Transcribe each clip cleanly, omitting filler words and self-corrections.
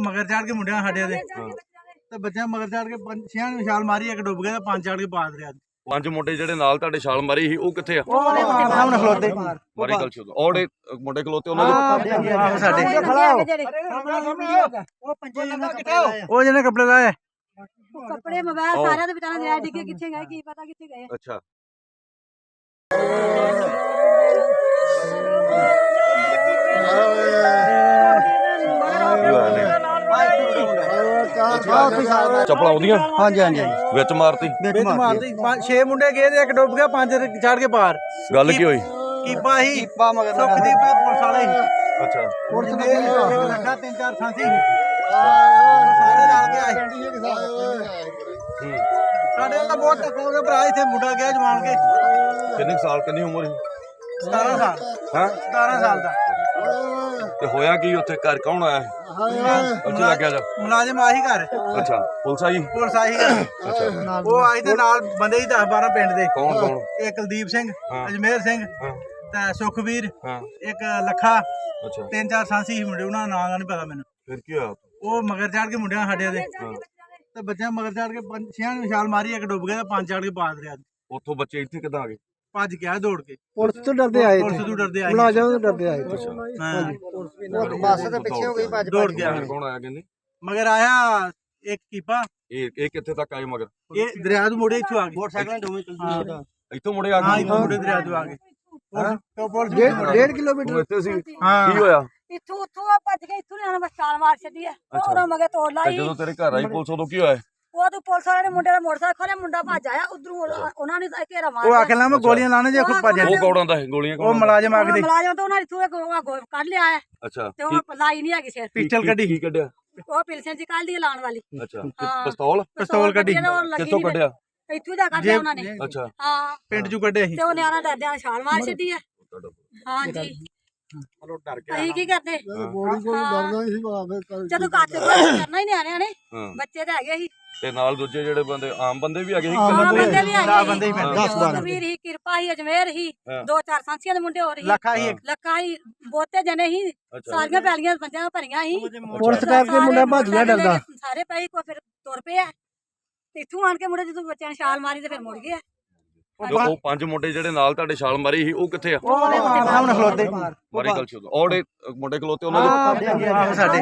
ਮਗਰ ਚੜ ਕੇ ਮੁੰਡਿਆਂ ਸਾਡੇ ਦੇ ਤੇ ਬੱਚਿਆਂ ਮਗਰ ਚੜ ਕੇ ਛਿਆਂ ਨੂੰ ਛਾਲ ਮਾਰੀ, ਇੱਕ ਡੁੱਬ ਗਿਆ ਤੇ ਪੰਜ ਚੜ ਕੇ ਪਾ ਦਰਿਆ। ਪੰਜ ਮੁੰਡੇ ਜਿਹੜੇ ਨਾਲ ਤੁਹਾਡੇ ਛਾਲ ਮਾਰੀ ਸੀ ਉਹ ਕਿੱਥੇ ਆ? ਸਾਹਮਣੇ ਖਲੋਤੇ ਮਾਰੀ ਗੱਲ ਚੋਦ ਔੜੇ ਮੁੰਡੇ ਖਲੋਤੇ ਉਹਨਾਂ ਦੇ ਸਾਡੇ ਉਹ ਜਿਹਨੇ ਕੱਪੜੇ ਲਾਏ ਕੱਪੜੇ ਮੋਬਾਈਲ ਸਾਰਿਆਂ ਦੇ ਵਿਚਾਰਾਂ ਦੇ ਡਿੱਗੇ ਕਿੱਥੇ ਗਏ ਕੀ ਪਤਾ ਕਿੱਥੇ ਗਏ। ਅੱਛਾ ਚੱਪਲਾਂ ਉਹਦੀਆਂ? ਹਾਂਜੀ ਹਾਂਜੀ ਵਿੱਚ ਮਾਰਤੀ? ਵਿੱਚ ਮਾਰਦੀ 6 ਮੁੰਡੇ ਗਏ ਤੇ ਇੱਕ ਡੁੱਬ ਗਿਆ, ਪੰਜ ਚੜ ਕੇ ਪਾਰ। ਗੱਲ ਕੀ ਹੋਈ? ਕੀਪਾ ਹੀ ਕੀਪਾ ਮਗਰ ਸੁਖਦੀਪ ਪੁਲਿਸ ਵਾਲੇ। ਅੱਛਾ ਪੁਲਿਸ ਨੇ ਲੱਗਾ 3-4 ਸਾਂਸੀ ਸਾਰੇ ਨਾਲ ਕੇ ਆਏ। ਸਾਡੇ ਤਾਂ ਬਹੁਤ ਟੱਕਰ ਹੋ ਗਿਆ ਭਰਾ, ਇੱਥੇ ਮੁੰਡਾ ਗਿਆ ਜਵਾਨ ਕੇ। ਕਿੰਨੇ ਸਾਲ ਕਿੰਨੀ ਉਮਰ ਸੀ? 17 ਸਾਲ। ਹਾਂ 17 ਸਾਲ ਦਾ। ਤੇ ਹੋਇਆ ਕੀ ਉੱਥੇ? ਘਰ ਕੌਣ ਆਇਆ? ਉੱਥੇ ਲੱਗਿਆ ਜਾ ਮੁਲਾਜ਼ਮ ਆਹੀ ਘਰ। ਅੱਛਾ ਪੁਲਿਸ ਆਈ? ਪੁਲਿਸ ਆਹੀ ਘਰ। ਅੱਛਾ ਉਹ ਆਈ ਤੇ ਨਾਲ ਬੰਦੇ ਹੀ 10-12 ਪਿੰਡ ਦੇ। ਕੌਣ ਕੌਣ? ਇੱਕ ਕੁਲਦੀਪ ਸਿੰਘ, ਹਾਂ। ਅਜਮੇਰ ਸਿੰਘ ਹਾਂ ਤੇ ਸੁਖਵੀਰ, ਹਾਂ ਇੱਕ ਲੱਖਾ, ਅੱਛਾ 3-4 ਸਾਂਸੀ ਸੀ ਮੁੰਡੇ, ਉਹਨਾਂ ਦਾ ਨਾਂ ਦਾ ਨਹੀਂ ਪਤਾ ਮੈਨੂੰ। ਫਿਰ ਕੀ ਹੋਇਆ? ਉਹ ਮਗਰ ਚੜ ਕੇ ਮੁੰਡਿਆਂ ਸਾਡੇ ਦੇ ਹਾਂ ਤੇ ਬੱਚਿਆਂ ਮਗਰ ਚੜ ਕੇ ਛਿਆਂ ਨੂੰ ਛਾਲ ਮਾਰੀ, ਇੱਕ ਡੁੱਬ ਗਿਆ ਤੇ ਪੰਜ ਚੜ ਕੇ ਪਾ ਦਰਿਆ। ਉੱਥੋਂ ਬੱਚੇ ਇੱਥੇ ਕਿੱਦਾਂ ਆ ਗਏ? ਭੱਜ ਗਿਆ ਦੌੜ ਕੇ। ਪੁਲਿਸ ਤੋਂ ਡਰਦੇ ਆਏ, ਪੁਲਿਸ ਤੋਂ ਡਰਦੇ ਆਏ, ਮੁਲਾਜ਼ਮ ਤੋਂ ਡਰਦੇ ਆਏ। ਬੱਸ ਦੇ ਪਿੱਛੇ ਹੋ ਗਈ, ਭੱਜ ਦੌੜ ਗਿਆ। ਕੌਣ ਆਇਆ ਕਹਿੰਦੇ? ਮਗਰ ਆਇਆ ਇੱਕ ਕੀਪਾ। ਇਹ ਕਿੱਥੇ ਤੱਕ ਆਏ ਮਗਰ? ਇਹ ਦਰਿਆ ਤੋਂ ਮੁੜੇ ਇੱਥੋਂ ਆ ਗਏ ਮੋਟਰਸਾਈਕਲ ਦੋਵੇਂ। ਇੱਥੋਂ ਮੁੜੇ ਆ ਹਾਂ ਗਏ? ਇੱਥੋਂ ਮੁੜੇ ਦਰਿਆ ਤੋਂ ਆ ਗਏ। 1.5 ਕਿਲੋਮੀਟਰ ਤੂੰ ਇੱਥੇ ਸੀ? ਹਾਂ ਕੀ ਹੋਇਆ? ਇੱਥੋਂ ਉੱਥੋਂ ਭੱਜ ਕੇ ਇੱਥੋਂ ਆਣਾ, ਬਸ ਛਾਲ ਮਾਰ ਛੱਡੀ ਹੈ। ਉਹਨਾਂ ਮਗੇ ਤੋੜ ਲਾਈ। ਜਦੋਂ ਤੇਰੇ ਘਰ ਆਈ ਪੁਲਿਸ ਉਦੋਂ ਕੀ ਹੋਇਆ? ਉਹ ਤੋਂ ਪੁਲਿਸ ਵਾਲੇ ਨੇ ਮੁੰਡੇ ਦਾ ਮੋਟਰਸਾਈਕਲ ਖੋਲਿਆ, ਮੁੰਡਾ ਭੱਜ ਆਇਆ ਉਧਰੋਂ, ਉਹਨਾਂ ਨੇ ਘੇਰਾ ਮਾਰ ਉਹ ਆਖੇ ਲਾ ਮੈਂ ਗੋਲੀਆਂ ਲਾਣੇ ਜੇ ਖੁੱਪਾ ਜਾ। ਉਹ ਕੌੜਾਂ ਦਾ ਹੈ ਗੋਲੀਆਂ? ਉਹ ਮੁਲਾਜ਼ਮ ਆਖਦੇ ਮੁਲਾਜ਼ਮ ਤੋਂ ਉਹਨਾਂ ਨੇ ਥੂਏ ਕੱਢ ਲਿਆ ਹੈ ਅੱਛਾ ਤੇ ਉਹ ਲਾਈ ਨਹੀਂ ਹੈਗੀ ਸਿਰ। ਪਿਸਟਲ ਕੱਢੀ। ਕੀ ਕੱਢਿਆ? ਉਹ ਪਿਲਸਨ ਜੀ ਕੱਢ ਦੀ ਲਾਣ ਵਾਲੀ। ਅੱਛਾ ਹਾਂ। ਪਿਸਤੌਲ ਕੱਢੀ। ਕਿੱਥੋਂ ਕੱਢਿਆ? ਇੱਥੋਂ ਦਾ ਕੱਢਿਆ ਉਹਨਾਂ ਨੇ। ਅੱਛਾ ਹਾਂ ਪਿੰਡ ਚੋਂ ਕੱਢਿਆ ਸੀ। ਤੇ ਉਹ ਨਿਆਣਾ ਡਰਦਿਆਂ ਛਾਲ ਮਾਰ ਛੱਡੀ ਹੈ। ਹਾਂਜੀ ਅਸੀਂ ਕੀ ਕਰਦੇ ਜਦੋਂ ਕੱਟ ਕਰਨਾ ਹੀ ਨਿਆਣਿਆਂ ਨੇ, ਬੱਚੇ ਤਾਂ ਹੈਗੇ ਸੀ ਤੇ ਨਾਲ ਦੂਜੇ ਜਿਹੜੇ ਬੰਦੇ ਆਮ ਬੰਦੇ ਵੀ ਹੈਗੇ ਸੀ? ਹਾਂ ਬੰਦੇ ਵੀ ਹੈਗੇ 10 ਬੰਦੇ ਹੀ ਪੈਂਦੇ। 10 ਵੀਰ ਹੀ, ਕਿਰਪਾ ਹੀ, ਅਜਮੇਰ ਹੀ, 2-4 ਸਾਂਸੀਆਂ ਦੇ ਮੁੰਡੇ ਹੋ ਰਹੀ, ਲੱਖਾ ਹੀ ਲੱਖਾ ਹੀ, ਬਹੁਤੇ ਜਣੇ ਹੀ, ਸਾਰੀਆਂ ਪੈਲੀਆਂ ਪੰਜਾਂ ਭਰੀਆਂ ਹੀ। ਪੁਲਿਸ ਕਰਕੇ ਮੁੰਡਾ ਭੱਜ ਗਿਆ ਡਰਦਾ। ਸਾਰੇ ਪਈ ਕੋ ਫਿਰ ਤੁਰ ਪਿਆ। ਇੱਥੋਂ ਆਣ ਕੇ ਮੁੰਡੇ ਜਦੋਂ ਬੱਚਿਆਂ ਨੇ ਛਾਲ ਮਾਰੀ ਤੇ ਫਿਰ ਮੁੜ ਗਿਆ। ਉਹ ਪੰਜ ਮੁੰਡੇ ਜਿਹੜੇ ਨਾਲ ਤੁਹਾਡੇ ਛਾਲ ਮਾਰੀ ਸੀ ਉਹ ਕਿੱਥੇ ਆ? ਸਾਹਮਣੇ ਖਲੋਤੇ ਮਾਰੀ ਗੱਲ ਚੋਦ ਔੜੇ ਮੁੰਡੇ ਖਲੋਤੇ ਉਹਨਾਂ ਦੇ ਸਾਡੇ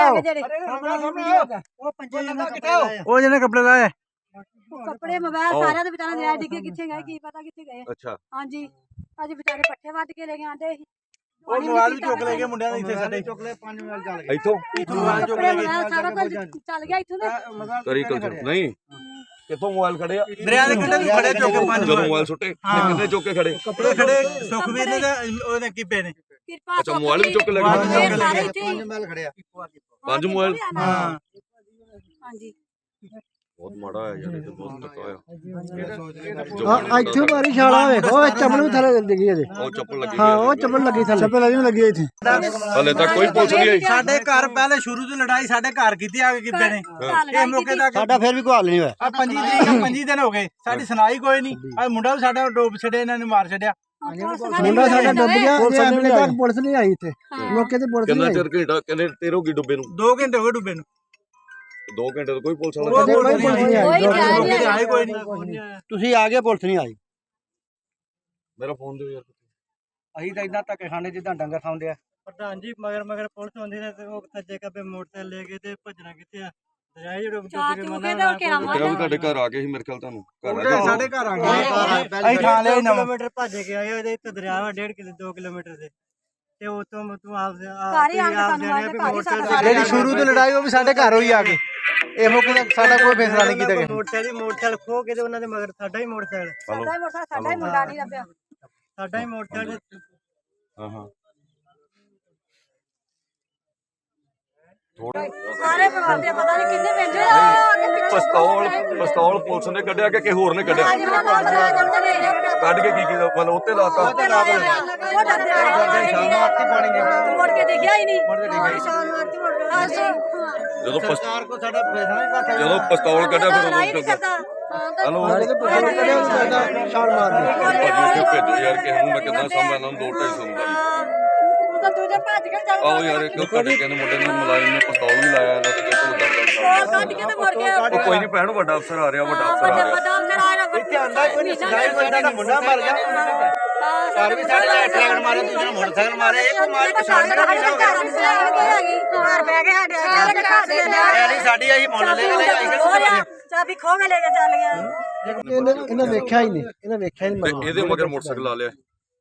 ਉਹ ਜਿਹਨੇ ਕੱਪੜੇ ਲਾਏ ਕੱਪੜੇ ਮੋਬਾਈਲ ਸਾਰਿਆਂ ਦੇ ਵਿਚਾਰਾਂ ਦੇ ਡਿੱਗੇ ਕਿੱਥੇ ਗਏ ਕੀ ਪਤਾ ਕਿੱਥੇ ਗਏ। ਅੱਛਾ ਹਾਂਜੀ ਅੱਜ ਵਿਚਾਰੇ ਪੱਠੇ ਵੱਢ ਕੇ ਲੈ ਕੇ ਆਂਦੇ ਸੀ। ਉਹ ਮੋਬਾਈਲ ਵੀ ਚੁੱਕ ਲੈ ਗਏ ਮੁੰਡਿਆਂ ਦੇ, ਇੱਥੇ ਸਾਡੇ ਚੁੱਕ ਲੈ 5 ਮਿੰਟ ਚੱਲ ਗਏ। ਇੱਥੋਂ ਮੋਬਾਈਲ ਚੁੱਕ ਲੈ ਗਏ, ਸਾਰਾ ਕੁਝ ਚੱਲ ਗਿਆ ਇੱਥੋਂ ਦੇ। ਕਰੀ ਕਲਚਰ ਨਹੀਂ ਕਿੱਥੋਂ ਮੋਬਾਈਲ ਖੜੇ ਆ? ਦਰਿਆ ਦੇ ਕੰਢੇ ਖੜੇ ਚੁੱਕ ਕੇ 5 ਜਦੋਂ ਮੋਬਾਈਲ ਸੁੱਟੇ ਕਿੰਨੇ ਚੁੱਕ ਕੇ ਖੜੇ? ਕੱਪੜੇ ਖੜੇ ਸੁਖਵੀਰ ਨੇ ਤੇ ਉਹਦੇ ਕੀਪੇ ਨੇ। ਕਿਰਪਾ ਅੱਛਾ ਮੋਬਾਈਲ ਵੀ ਚੁੱਕ ਕੇ ਲੈ ਗਏ? ਸਾਰੇ ਇੱਥੇ ਹੀ। ਪੰਜ ਮੋਬਾਈਲ? ਹਾਂ ਹਾਂਜੀ ਬਹੁਤ ਮਾੜਾ ਹੈ ਯਾਰ, ਇਹ ਤਾਂ ਬਹੁਤ ਧੱਕਾ ਹੋਇਆ। ਇੱਥੇ ਮਾਰੀ ਛਾਲਾ ਵੇਖੋ, ਚੱਪਲ ਵੀ ਥੱਲੇ ਡਿੱਗੀ ਇਹਦੇ। ਉਹ ਚੱਪਲ ਲੱਗੀ ਹਾਂ ਉਹ ਚੱਪਲ ਲੱਗੀ ਥੱਲੇ, ਚੱਪਲ ਲੱਗੀ ਇੱਥੇ। ਹਲੇ ਤੱਕ ਕੋਈ ਪੁਲਿਸ ਨਹੀਂ ਆਈ? ਸਾਡੇ ਘਰ ਪਹਿਲੇ ਸ਼ੁਰੂ ਤੋਂ ਲੜਾਈ ਸਾਡੇ ਘਰ ਕੀਤੀ ਆ ਕੇ ਕੀਪੇ ਨੇ। ਇਹ ਮੌਕੇ ਤੱਕ ਸਾਡਾ ਫਿਰ ਵੀ ਕੋਈ ਹੱਲ ਨਹੀਂ ਹੋਇਆ। ਆ 25 ਤਰੀਕ 25 ਦਿਨ ਹੋ ਗਏ, ਸਾਡੀ ਸੁਣਾਈ ਕੋਈ ਨਹੀਂ। ਆ ਮੁੰਡਾ ਵੀ ਸਾਡਾ ਡੁੱਬ ਛੱਡਿਆ, ਇਹਨਾਂ ਨੇ ਮਾਰ ਛੱਡਿਆ। ਮੁੰਡਾ ਸਾਡਾ ਡੁੱਬ ਗਿਆ, ਅਗਲੇ ਤੱਕ ਪੁਲਿਸ ਨਹੀਂ ਆਈ ਇੱਥੇ, ਮੌਕੇ ਤੇ ਪੁਲਿਸ ਕਿੰਨਾ ਨਹੀਂ ਚਿਰ ਘੰਟਾ ਕਹਿੰਦੇ ਤੇਰੋ ਕੀ ਡੁੱਬੇ ਨੂੰ? 2 ਘੰਟੇ ਹੋ ਗਏ ਡੁੱਬੇ ਨੂੰ। 2 ਘੰਟੇ ਤੋਂ ਕੋਈ ਪੁਲਿਸ ਉਹ ਵਾਲਾ ਪੁਲਿਸ ਨਹੀਂ ਕੋਈ ਆਈ, ਨਹੀਂ ਆਈ। ਆਏ ਕੋਈ ਨਹੀਂ। ਤੁਸੀਂ ਆ ਗਏ, ਪੁਲਿਸ ਨਹੀਂ ਆਈ। ਮੇਰਾ ਫੋਨ ਦਿਓ ਯਾਰ। ਅਸੀਂ ਤਾਂ ਇਦਾਂ ਧੱਕੇ ਖਾਣੇ ਜਿੱਦਾਂ ਡੰਗਰ ਖਾਂਦੇ ਆ। ਪ੍ਰਧਾਨ ਜੀ ਮਗਰ ਪੁਲਿਸ ਹੁੰਦੀ ਨੇ ਤੇ ਉਹ ਸੱਜੇ ਕੱਬੇ ਮੋਟਰਸਾਈਕਲ ਲੈ ਕੇ ਤੇ ਭੱਜਣਾ ਕਿੱਥੇ ਆ? ਦਰਿਆ ਜਿਹੜਾ ਚਾਰ ਚੂਕੇ ਤੇ ਉਹ ਘੇਰਾ ਮਾਰ ਕਿਹਾ ਵੀ ਤੁਹਾਡੇ ਘਰ ਆ ਗਏ ਸੀ ਮੇਰੇ ਖਿਆਲ ਤੁਹਾਨੂੰ ਘਰ ਆ ਗਏ। ਸਾਡੇ ਘਰ ਆ ਗਏ, ਅਸੀਂ ਥਾਂ ਲਿਆ 2 ਨਵਾਂ। ਕਿਲੋਮੀਟਰ ਭੱਜ ਕੇ ਆਏ, ਉਹਦੇ ਇੱਥੇ ਦਰਿਆ ਵਾ 2 ਕਿਲੋਮੀਟਰ ਦੇ, ਤੇ ਉਤੋਂ ਤੂੰ ਆਪ ਘਰ ਹੀ ਆਣ ਕੇ ਸਾਨੂੰ ਆਏ ਤੇ ਘਰ ਹੀ ਸਾਡਾ ਜਿਹੜੀ ਸ਼ੁਰੂ ਤੋਂ ਲੜਾਈ ਉਹ ਵੀ ਸਾਡੇ ਘਰ ਹੋਈ ਆ ਕੇ। ਇਹ ਮੌਕੇ ਤੱਕ ਸਾਡਾ ਕੋਈ ਫੈਸਲਾ ਨਹੀਂ ਕੀਤਾ ਗਿਆ। ਮੋਟਰਸਾਈਕਲ ਖੋ ਕੇ ਤੇ ਉਹਨਾਂ ਦੇ ਮਗਰ ਸਾਡਾ ਹੀ ਮੋਟਰਸਾਈਕਲ ਸਾਡਾ ਹੀ ਮੁੰਡਾ ਨਹੀਂ ਲੱਭਿਆ। ਸਾਡਾ ਹੀ ਮੋਟਰਸਾਈਕਲ। ਹਾਂ ਹਾਂ ਸਾਰੇ ਪਰਿਵਾਰ ਦੇ ਪਤਾ ਨਹੀਂ ਕਿੰਨੇ ਪਿੰਡ ਆ। ਪਿਸਤੌਲ ਪੁਲਿਸ ਨੇ ਕੱਢਿਆ ਕਿ ਕਿਸੇ ਹੋਰ ਨੇ ਕੱਢਿਆ? ਕੱਢ ਕੇ ਕੀ ਕੀਤਾ? ਮਤਲਬ ਉੱਤੇ ਲਾਤਾ? ਮੁੜ ਕੇ ਦੇਖਿਆ ਹੀ ਨਹੀਂ। ਜਦੋਂ ਸਰਕਾਰ ਕੋ ਸਾਡਾ ਫੈਸਲਾ ਨਹੀਂ ਕਰਦਾ। ਜਦੋਂ ਪਿਸਤੌਲ ਕੱਢਿਆ ਫਿਰ ਲੜਾਈ ਉਦੋਂ ਨਹੀਂ ਕਰਦਾ। ਹਲੋ ਛਾਲ ਮਾਰਦੀ। ਭਾਜੀ ਭੇਜੋ ਯਾਰ ਕਿਸੇ ਨੂੰ, ਮੈਂ ਕਿੱਦਾਂ ਸਾਂਭਾਂ ਇਹਨਾਂ ਨੂੰ 2-2.5 ਦਾ। ਉਹ ਤਾਂ ਦੂਜੇ ਭੱਜ ਕੇ ਚੱਲ ਆਓ ਯਾਰ ਇੱਕ ਤੁਹਾਡੇ ਕਹਿੰਦੇ ਮੁੰਡੇ ਨੇ ਮੁਲਾਜ਼ਮ ਨੇ ਪਿਸਤੌਲ ਵੀ ਲਾਇਆ ਇਹਨਾਂ ਤੇ ਕੱਢ ਕੇ ਤੇ ਮੁੜ ਕੇ ਉਹ ਕੋਈ ਨਹੀਂ ਭੈਣ, ਵੱਡਾ ਅਫਸਰ ਆ ਰਿਹਾ, ਵੱਡਾ ਅਫਸਰ ਆ ਰਿਹਾ। ਵੱਡਾ ਅਫਸਰ ਆਇਆ ਇੱਥੇ ਆਂਦਾ ਕੋਈ ਨਹੀਂ ਸਜਾਈ ਕੋਈ ਦਾ ਮੁੰਡਾ ਮਰ ਗਿਆ ਘਰ ਵੀ ਸਾਡੇ ਨਾਲ ਟਰੈਕਟਰ ਮਾਰੇ, ਦੂਜੇ ਮੋਟਰਸਾਈਕਲ ਮਾਰੇ, ਇਹ ਕੋਈ ਮਾਰ ਪਛਾਣ ਦਾ ਨਹੀਂ ਹੋਗਾ ਘਰ ਬਹਿ ਗਏ ਸਾਡੇ ਨਹੀਂ ਸਾਡੀ ਅਸੀਂ ਮੁੱਲ ਲੈ ਕੇ ਆਈ ਚਾਬੀ ਖੋ ਕੇ ਲੈ ਕੇ ਚੱਲ ਗਿਆ। ਇਹਨੇ ਵੇਖਿਆ ਹੀ ਨਹੀਂ, ਇਹਨੇ ਵੇਖਿਆ ਹੀ ਤੇ ਨਹੀਂ। ਇਹਦੇ ਮਗਰ ਮੋਟਰਸਾਈਕਲ ਲਾ ਲਿਆ।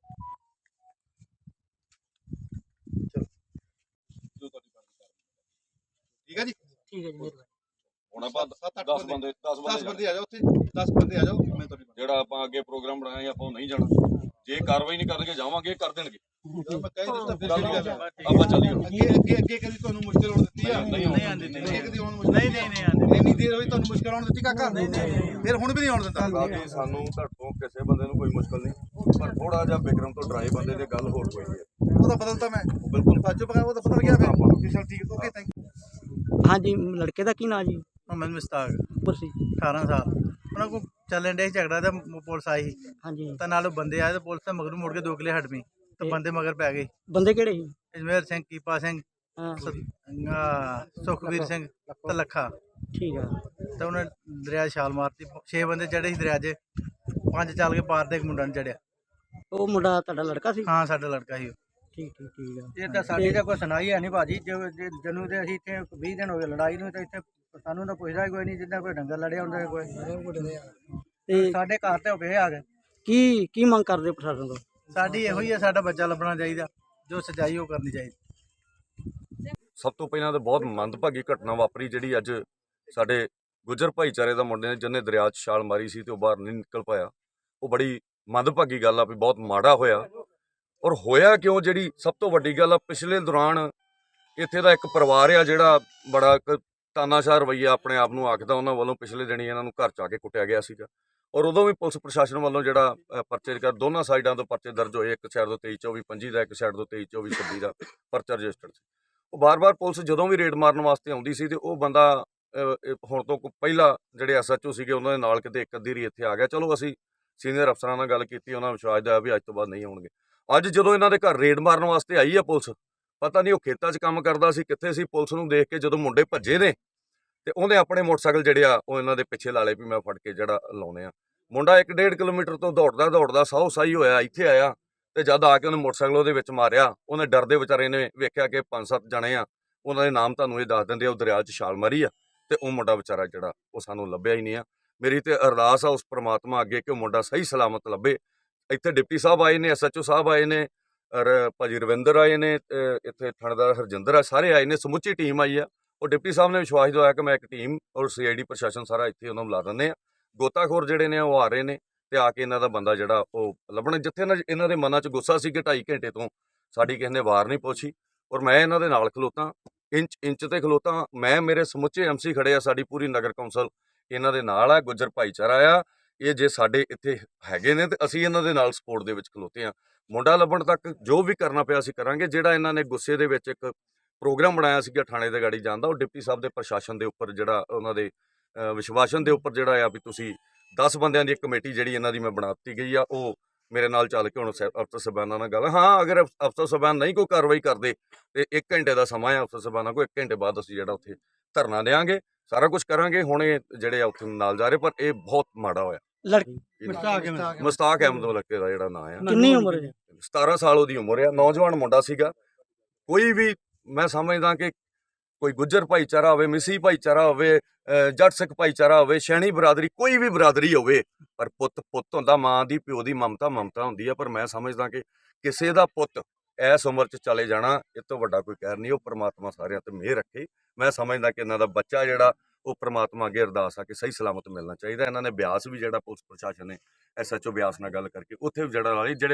ਠੀਕ ਹੈ ਜੀ, ਠੀਕ ਹੈ ਜੀ। ਹੁਣ ਆਪਾਂ 10 ਬੰਦੇ 10 ਬੰਦੇ ਆ ਜਾਓ ਉੱਥੇ, 10 ਬੰਦੇ ਆ ਜਾਓ, ਮੈਂ ਤੁਹਾਡੀ ਜਿਹੜਾ ਆਪਾਂ ਅੱਗੇ ਪ੍ਰੋਗਰਾਮ ਬਣਾਇਆ ਆਪਾਂ ਉਹ ਨਹੀਂ ਜਾਣਾ। ਜੇ ਕਾਰਵਾਈ ਨਹੀਂ ਕਰਨਗੇ ਜਾਵਾਂਗੇ, ਕਰ ਦੇਣਗੇ। ਮੈਂ ਕਹਿ ਦਿੱਤਾ ਫਿਰ ਗੱਲ ਕਿਹੜੀ ਗੱਲ ਹੈ। ਆਪਾਂ ਚੱਲੀਏ। ਅੱਗੇ ਕਦੀ ਤੁਹਾਨੂੰ ਮੁਸ਼ਕਿਲ ਆਉਣ ਦਿੱਤੀ ਆ? ਨਹੀਂ ਆਂਦੀ ਅੱਗੇ ਕਦੀ ਆਉਣ ਨਹੀਂ ਨਹੀਂ ਆਂਦੀ ਇੰਨੀ ਦੇਰ ਹੋਈ ਤੁਹਾਨੂੰ ਮੁਸ਼ਕਿਲ ਆਉਣ ਦਿੱਤੀ ਕਾਕਾ? ਫਿਰ ਹੁਣ ਵੀ ਨਹੀਂ ਆਉਣ ਦਿੰਦਾ। ਬਾਕੀ ਸਾਨੂੰ ਤੁਹਾਡੇ ਕਿਸੇ ਬੰਦੇ ਨੂੰ ਕੋਈ ਮੁਸ਼ਕਲ ਨਹੀਂ, ਪਰ ਥੋੜਾ ਜਿਹਾ ਬਿਕਰਮ ਤੋਂ ਡਰਾਈ ਬੰਦੇ ਦੀ ਗੱਲ ਹੋਰ ਕੋਈ ਹੈ। ਉਹ ਤਾਂ ਬਦਲਤਾ ਮੈਂ ਬਿਲਕੁਲ ਬਾਜੂ ਪਕਾ, ਉਹ ਤਾਂ ਬਦਲ ਗਿਆ ਫਿਰ। ਚਲ ਠੀਕ, ਓਕੇ, ਥੈਂਕ ਯੂ। ਹਾਂਜੀ, ਲੜਕੇ ਦਾ ਕੀ ਨਾਂ ਜੀ? ਮੁਹੰਮਦ ਮੁਸਤਾਕ ਉਮਰ ਸੀ? 18 ਸਾਲ। ਉਹਨਾਂ ਕੋ ਚੱਲਣ ਡੇ ਝਗੜਾ ਤੇ ਪੁਲਿਸ ਆਈ ਹਾਂਜੀ। ਤਾਂ ਨਾਲ ਉਹ ਬੰਦੇ ਆਏ ਤੇ ਪੁਲਿਸ ਤੇ ਮਗਰ ਮੁੜ ਕੇ 2 ਕਿਲੇ ਹਟਵੀਂ ਤੇ ਬੰਦੇ ਮਗਰ ਪੈ ਗਏ। ਬੰਦੇ ਕਿਹੜੇ ਸੀ? ਅਜਮੇਰ ਸਿੰਘ, ਕੀਪਾ ਸਿੰਘ, ਹਾਂ, ਸੁਖਵੀਰ ਸਿੰਘ ਤੇ ਲੱਖਾ। ਠੀਕ ਆ। ਤੇ ਉਹਨੇ ਦਰਿਆ 'ਚ ਛਾਲ ਮਾਰਤੀ। 6 ਬੰਦੇ ਚੜੇ ਸੀ ਦਰਿਆ 'ਚ, 5 ਚੱਲ ਕੇ ਪਾਰ ਤੇ ਇੱਕ ਮੁੰਡਾ ਨੂੰ ਚੜਿਆ। ਉਹ ਮੁੰਡਾ ਤੁਹਾਡਾ ਲੜਕਾ ਸੀ? ਹਾਂ ਸਾਡਾ ਲੜਕਾ ਸੀ ਉਹ। ਠੀਕ ਠੀਕ ਠੀਕ ਆ। ਇਹ ਤਾਂ ਸਾਡੀ ਤਾਂ ਕੋਈ ਸੁਣਾਈ ਹੈ ਨਹੀਂ ਭਾਜੀ। ਜਨੂੰ ਤੇ ਅਸੀਂ ਇੱਥੇ 20 ਦਿਨ ਹੋ ਗਏ ਲੜਾਈ ਨੂੰ, ਤੇ ਇੱਥੇ ਸਾਨੂੰ ਤਾਂ ਪੁੱਛਦਾ ਕੋਈ ਨਹੀਂ, ਜਿੱਦਾਂ ਕੋਈ ਡੰਗਰ ਲੜਿਆ ਹੁੰਦਾ ਕੋਈ। ਤੇ ਸਾਡੇ ਘਰ ਤੇ ਹੋ ਗਏ ਆ ਗਏ। ਕੀ ਮੰਗ ਕਰਦੇ ਹੋ ਪ੍ਰਸ਼ਾਸਨ ਤੋਂ? ਸਾਡੀ ਇਹੋ ਹੀ ਹੈ, ਸਾਡਾ ਬੱਚਾ ਲੱਭਣਾ ਚਾਹੀਦਾ, ਜੋ ਸਜਾਈ ਉਹ ਕਰਨੀ ਚਾਹੀਦੀ। ਸਭ ਤੋਂ ਪਹਿਲਾਂ ਤਾਂ ਬਹੁਤ ਮੰਦਭਾਗੀ ਘਟਨਾ ਵਾਪਰੀ ਜਿਹੜੀ ਅੱਜ ਸਾਡੇ ਗੁੱਜਰ ਭਾਈਚਾਰੇ ਦਾ ਮੁੰਡੇ ਨੇ ਜਿਹਨੇ ਦਰਿਆ 'ਚ ਛਾਲ ਮਾਰੀ ਸੀ ਤੇ ਉਹ ਬਾਹਰ ਨਹੀਂ ਨਿਕਲ ਪਾਇਆ। ਉਹ ਬੜੀ ਮੰਦਭਾਗੀ ਗੱਲ ਆ ਵੀ ਬਹੁਤ ਮਾੜਾ ਹੋਇਆ। ਔਰ ਹੋਇਆ ਕਿਉਂ, ਜਿਹੜੀ ਸਭ ਤੋਂ ਵੱਡੀ ਗੱਲ ਆ, ਪਿਛਲੇ ਦੌਰਾਨ ਇੱਥੇ ਦਾ ਇੱਕ ਪਰਿਵਾਰ ਆ ਜਿਹੜਾ ਬੜਾ ਇੱਕ ਤਾਨਾਸ਼ਾਹ ਰਵੱਈਆ ਆਪਣੇ ਆਪ ਨੂੰ ਆਖਦਾ, ਉਹਨਾਂ ਵੱਲੋਂ ਪਿਛਲੇ ਦਿਨੀ ਇਹਨਾਂ ਨੂੰ ਘਰ 'ਚ ਆ ਕੇ ਕੁੱਟਿਆ ਗਿਆ ਸੀਗਾ। ਔਰ ਉਦੋਂ ਵੀ ਪੁਲਿਸ ਪ੍ਰਸ਼ਾਸਨ ਵੱਲੋਂ ਜਿਹੜਾ ਪਰਚੇ ਕਰ ਦੋਨਾਂ ਸਾਈਡਾਂ ਤੋਂ ਪਰਚੇ ਦਰਜ ਹੋਏ, ਇੱਕ ਸਾਈਡ ਤੋਂ 23-24-25 ਦਾ, ਇੱਕ ਸਾਈਡ ਤੋਂ 23-24-26 ਦਾ ਪਰਚਾ ਰਜਿਸਟਰਡ ਸੀ। ਉਹ ਬਾਰ-ਬਾਰ ਪੁਲਿਸ ਜਦੋਂ ਵੀ ਰੇਡ ਮਾਰਨ ਵਾਸਤੇ ਆਉਂਦੀ ਸੀ ਤੇ ਉਹ ਬੰਦਾ ਹੁਣ ਤੋਂ ਪਹਿਲਾਂ ਜਿਹੜੇ SHO ਸੀਗੇ ਉਹਨਾਂ ਦੇ ਨਾਲ ਕਿਤੇ ਇੱਕ ਅੱਧੀ ਰੀ ਇੱਥੇ ਆ ਗਿਆ। ਚਲੋ ਅਸੀਂ ਸੀਨੀਅਰ ਅਫਸਰਾਂ ਨਾਲ ਗੱਲ ਕੀਤੀ, ਉਹਨਾਂ ਵਿਸ਼ਵਾਸ ਦਿਵਾਇਆ ਵੀ ਅੱਜ ਤੋਂ ਬਾਅਦ ਨਹੀਂ ਆਉਣਗੇ। ਅੱਜ ਜਦੋਂ ਇਹਨਾਂ ਦੇ ਘਰ ਰੇਡ ਮਾਰਨ ਵਾਸਤੇ ਆਈ ਆ ਪੁਲਿਸ, ਪਤਾ ਨਹੀਂ ਉਹ ਖੇਤਾਂ 'ਚ ਕੰਮ ਕਰਦਾ ਸੀ ਕਿੱਥੇ ਸੀ। ਪੁਲਿਸ ਨੂੰ ਦੇਖ ਕੇ ਜਦੋਂ ਮੁੰਡੇ ਭੱਜੇ ਨੇ ਤੇ ਉਹਨੇ ਆਪਣੇ ਮੋਟਰਸਾਈਕਲ ਜਿਹੜੇ ਆ ਉਹ ਇਹਨਾਂ ਦੇ ਪਿੱਛੇ ਲਾ ਲਏ ਵੀ ਮੈਂ ਫੜ ਕੇ ਜਿਹੜਾ ਲਾਉਣੇ ਆ। ਮੁੰਡਾ 1.5 ਕਿਲੋਮੀਟਰ ਤੋਂ ਦੌੜਦਾ ਸਾਹੋ ਸਾਈ ਹੋਇਆ ਇੱਥੇ ਆਇਆ ਤੇ ਜਦ ਆ ਕੇ ਉਹਨੇ ਮੋਟਰਸਾਈਕਲ ਉਹਦੇ ਵਿੱਚ ਮਾਰਿਆ। ਉਹਨੇ ਡਰਦੇ ਵਿਚਾਰੇ ਨੇ ਵੇਖਿਆ ਕਿ 5-7 ਜਣੇ ਆ, ਉਹਨਾਂ ਦੇ ਨਾਮ ਤੁਹਾਨੂੰ ਇਹ ਦੱਸ ਦਿੰਦੇ ਆ, ਉਹ ਦਰਿਆ 'ਚ ਛਾਲ ਮਾਰੀ ਆ ਤੇ ਉਹ ਮੁੰਡਾ ਵਿਚਾਰਾ ਜਿਹੜਾ ਉਹ ਸਾਨੂੰ ਲੱਭਿਆ ਹੀ ਨਹੀਂ ਆ। ਮੇਰੀ ਤੇ ਅਰਦਾਸ ਆ ਉਸ ਪ੍ਰਮਾਤਮਾ ਅੱਗੇ ਕਿ ਉਹ ਮੁੰਡਾ ਸਹੀ ਸਲਾਮਤ ਲੱਭੇ। ਇੱਥੇ ਡਿਪਟੀ ਸਾਹਿਬ ਆਏ ਨੇ, SHO ਸਾਹਿਬ ਆਏ ਨੇ, ਔਰ ਭਾਜੀ ਰਵਿੰਦਰ ਆਏ ਨੇ, ਇੱਥੇ ਥਾਣੇਦਾਰ ਹਰਜਿੰਦਰ ਆ, ਸਾਰੇ ਆਏ ਨੇ, ਸਮੁੱਚੀ ਟੀਮ ਆਈ ਆ। ਉਹ ਡਿਪਟੀ ਸਾਹਿਬ ਨੇ ਵਿਸ਼ਵਾਸ ਦਿਵਾਇਆ ਕਿ ਮੈਂ ਇੱਕ ਟੀਮ ਔਰ CID ਪ੍ਰਸ਼ਾਸਨ ਸਾਰਾ ਇੱਥੇ ਉਹਨਾਂ ਨੂੰ ਲਾ ਦਿੰਦੇ ਆ। ਗੋਤਾਖੋਰ ਜਿਹੜੇ ਨੇ ਉਹ ਆ ਰਹੇ ਨੇ ਤੇ ਆ ਕੇ ਇਹਨਾਂ ਦਾ ਬੰਦਾ ਜਿਹੜਾ ਉਹ ਲੱਭਣਾ। ਜਿੱਥੇ ਇਹਨਾਂ ਦੇ ਮਨਾਂ 'ਚ ਗੁੱਸਾ ਸੀ ਕਿ 2.5 ਘੰਟੇ ਤੋਂ ਸਾਡੀ ਕਿਸੇ ਨੇ ਵਾਰ ਨਹੀਂ ਪੁੱਛੀ, ਔਰ ਮੈਂ ਇਹਨਾਂ ਦੇ ਨਾਲ ਖਲੋਤਾ, ਇੰਚ ਤੇ ਖਲੋਤਾ ਮੈਂ। ਮੇਰੇ ਸਮੁੱਚੇ MC ਖੜੇ ਆ, ਸਾਡੀ ਪੂਰੀ ਨਗਰ ਕੌਂਸਲ ਇਹਨਾਂ ਦੇ ਨਾਲ ਆ, ਗੁੱਜਰ ਭਾਈਚਾਰਾ ਆ ਇਹ। ਜੇ ਸਾਡੇ ਇੱਥੇ ਹੈਗੇ ਨੇ ਤੇ ਅਸੀਂ ਇਹਨਾਂ ਦੇ ਨਾਲ ਸਪੋਰਟ ਦੇ ਵਿੱਚ ਖਲੋਤੇ ਆ। ਮੁੰਡਾ ਲੱਭਣ ਤੱਕ ਜੋ ਵੀ ਕਰਨਾ ਪਿਆ ਅਸੀਂ ਕਰਾਂਗੇ। ਜਿਹੜਾ ਇਹਨਾਂ ਨੇ ਗੁੱਸੇ ਦੇ ਵਿੱਚ ਇੱਕ ਪ੍ਰੋਗਰਾਮ ਬਣਾਇਆ ਸੀਗਾ ਥਾਣੇ ਦੇ ਗਾੜੀ ਜਾਣ ਦਾ, ਉਹ ਡਿਪਟੀ ਸਾਹਿਬ ਦੇ ਪ੍ਰਸ਼ਾਸਨ ਦੇ ਉੱਪਰ ਜਿਹੜਾ ਉਹਨਾਂ ਦੇ ਵਿਸ਼ਵਾਸਨ ਦੇ ਉੱਪਰ ਜਿਹੜਾ ਆ ਵੀ ਤੁਸੀਂ 10 ਬੰਦਿਆਂ ਦੀ ਇੱਕ ਕਮੇਟੀ ਜਿਹੜੀ ਇਹਨਾਂ ਦੀ ਮੈਂ ਬਣਾ ਦਿੱਤੀ ਗਈ ਆ, ਉਹ ਮੇਰੇ ਨਾਲ ਚੱਲ ਕੇ ਹੁਣ ਅਫਸਰ ਸਾਹਿਬਾਨਾਂ ਨਾਲ ਗੱਲ। ਹਾਂ, ਅਗਰ ਅਫਸਰ ਸਾਹਿਬਾਨ ਨਹੀਂ ਕੋਈ ਕਾਰਵਾਈ ਕਰਦੇ ਤੇ 1 ਘੰਟੇ ਦਾ ਸਮਾਂ ਆ ਅਫਸਰ ਸਾਹਿਬਾਨਾਂ ਕੋਲ। 1 ਘੰਟੇ ਬਾਅਦ ਅਸੀਂ ਜਿਹੜਾ ਉੱਥੇ ਧਰਨਾ ਦੇਵਾਂਗੇ, ਸਾਰਾ ਕੁਝ ਕਰਾਂਗੇ। ਹੁਣ ਇਹ ਜਿਹੜੇ ਆ ਉੱਥੇ ਨਾਲ ਜਾ ਰਹੇ, ਪਰ ਇਹ ਬਹੁਤ ਮਾੜਾ ਹੋਇਆ। ਲੜਕੀ ਮੁਸਤਾਕ ਅਹਿਮਦ ਲੜਕੇ ਦਾ ਜਿਹੜਾ ਨਾਂ ਆ, ਕਿੰਨੀ ਉਮਰ ਹੈ? 17 ਸਾਲ ਉਹਦੀ ਉਮਰ ਆ। ਨੌਜਵਾਨ ਮੁੰਡਾ ਸੀਗਾ। ਕੋਈ ਵੀ ਮੈਂ ਸਮਝਦਾ ਕਿ ਕੋਈ ਗੁੱਜਰ ਭਾਈਚਾਰਾ ਹੋਵੇ, ਮਿਸੀ ਭਾਈਚਾਰਾ ਹੋਵੇ, ਜੱਟ ਸਿੱਖ ਭਾਈਚਾਰਾ ਹੋਵੇ, ਸ਼ੈਣੀ ਬਰਾਦਰੀ, ਕੋਈ ਵੀ ਬਰਾਦਰੀ ਹੋਵੇ, ਪਰ ਪੁੱਤ ਹੁੰਦਾ, ਮਾਂ ਦੀ ਪਿਓ ਦੀ ਮਮਤਾ ਹੁੰਦੀ ਆ। ਪਰ ਮੈਂ ਸਮਝਦਾ ਕਿ ਕਿਸੇ ਦਾ ਪੁੱਤ ਇਸ ਉਮਰ 'ਚ ਚਲੇ ਜਾਣਾ, ਇਹ ਤੋਂ ਵੱਡਾ ਕੋਈ ਕਹਿਰ ਨਹੀਂ। ਉਹ ਪ੍ਰਮਾਤਮਾ ਸਾਰਿਆਂ ਤੇ ਮਿਹਰ ਰੱਖੇ। ਮੈਂ ਸਮਝਦਾ ਕਿ ਇਹਨਾਂ ਦਾ ਬੱਚਾ ਜਿਹੜਾ ਉਹ ਪ੍ਰਮਾਤਮਾ ਅੱਗੇ ਅਰਦਾਸ ਆ ਕਿ ਸਹੀ ਸਲਾਮਤ ਮਿਲਣਾ ਚਾਹੀਦਾ। ਇਹਨਾਂ ਨੇ ਬਿਆਸ ਵੀ ਜਿਹੜਾ ਪੁਲਿਸ ਪ੍ਰਸ਼ਾਸਨ ਨੇ SHO ਬਿਆਸ ਨਾਲ ਗੱਲ ਕਰਕੇ ਉੱਥੇ ਵੀ ਜਿਹੜਾ ਜਿਹੜੇ